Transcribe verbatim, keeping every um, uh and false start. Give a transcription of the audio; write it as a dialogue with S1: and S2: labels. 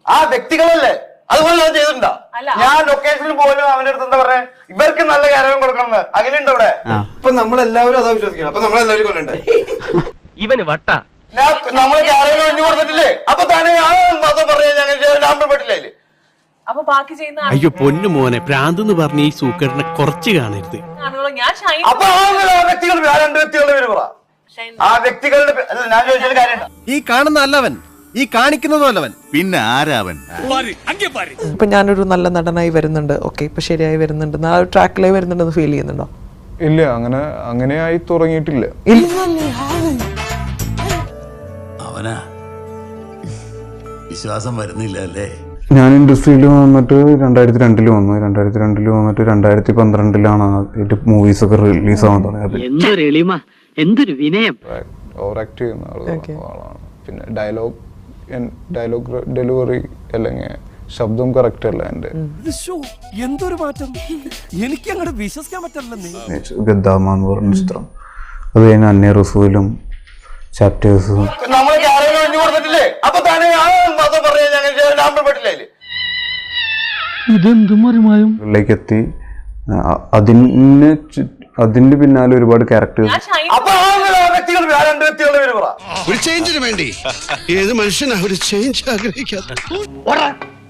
S1: ആ വ്യക്തികളല്ലേ അതുപോലെ ഞാൻ ചെയ്തിട്ടുണ്ടോ? ഞാൻ ലൊക്കേഷനിൽ പോലും അവന്റെ അടുത്ത് എന്താ പറയാ ഇവർക്ക് നല്ല കാര്യം കൊടുക്കണം അങ്ങനെയുണ്ട് ഇവിടെ.
S2: ഇപ്പൊ നമ്മളെല്ലാവരും അതാ വിശ്വസിക്കണം. അപ്പൊ നമ്മളെല്ലാവരും കൊല്ലണ്ടേ?
S3: ഇവന് വട്ട
S1: നമ്മള് കാര്യം ഒഴിഞ്ഞു കൊടുത്തിട്ടില്ലേ? അപ്പൊ തന്നെ ഞാൻ പറയാ ഞാൻ പെട്ടില്ലേ?
S4: അപ്പൊ ബാക്കി ചെയ്യുന്ന
S5: അയ്യോ പൊന്നു മോനെ പ്രാന്തെന്ന് പറഞ്ഞ ഈ സൂക്കറിനെ കുറച്ച് കാണരുത്.
S1: അപ്പൊ ആ വ്യക്തികൾ ആ രണ്ട് വ്യക്തികളുടെ പേര് പറ. ആ വ്യക്തികളുടെ ഞാൻ ചോദിച്ചൊരു കാര്യം,
S6: ഈ കാണുന്ന അല്ലവൻ, ഈ കാണിക്കുന്നതും അല്ലവൻ,
S7: പിന്നെ ആരാവൻ?
S8: ഇപ്പൊ ഞാനൊരു നല്ല നടനായി വരുന്നുണ്ട്, ഓക്കെ ഇപ്പൊ ശരിയായി വരുന്നുണ്ട്, ആ ഒരു ട്രാക്കിലായി വരുന്നുണ്ടെന്ന് ഫീൽ ചെയ്യുന്നുണ്ടോ?
S9: ഇല്ല, അങ്ങനെ അങ്ങനെ ആയി തുടങ്ങിയിട്ടില്ല.
S7: അവനാ വിശ്വാസം വരുന്നില്ല അല്ലേ?
S9: ഞാൻ ഇൻഡസ്ട്രിയിൽ വന്നിട്ട് രണ്ടായിരത്തി രണ്ടില് വന്നു. രണ്ടായിരത്തി രണ്ടില് വന്നിട്ട് രണ്ടായിരത്തി പന്ത്രണ്ടിലാണ് മൂവീസ് ഒക്കെ റിലീസ് ആവാൻ തുടങ്ങിയത്.
S3: എന്തൊരു എളിമ, എന്തൊരു വിനയം.
S9: ഓവർ ആക്ട് ചെയ്യുന്ന ആളാണ്. പിന്നെ ഡയലോഗ് ഡയലോഗ് ഡെലിവറി അല്ലെങ്കിൽ ശബ്ദം കറക്റ്റ് അല്ല എന്റെ.
S6: എന്തൊരു മാറ്റം, എനിക്ക് അങ്ങോട്ട് വിശ്വസിക്കാൻ പറ്റില്ല.
S9: ഗദ്ദാമ എന്ന് പറഞ്ഞ ചിത്രം, അത് കഴിഞ്ഞ അന്നേ റസൂലും ചാപ്റ്റേഴ്സും
S1: നമ്മള് കാര്യം ഒഴിഞ്ഞു കൊടുത്തിട്ടില്ലേ? അപ്പൊ തന്നെ ഞാൻ പറയാ ഞാൻ പെട്ടില്ലേ?
S9: ിലേക്ക് എത്തി. അതിന് അതിന്റെ പിന്നാലെ ഒരുപാട് ക്യാരക്ടേഴ്സ്.
S1: അപ്പൊ ആ വ്യക്തികൾ ആ രണ്ട് വ്യക്തികളുടെ പേര് പറ.
S5: ഒരു ചേഞ്ചിന് വേണ്ടി ഏത് മനുഷ്യനാ ഒരു ചേഞ്ച് ആഗ്രഹിക്കാത്ത?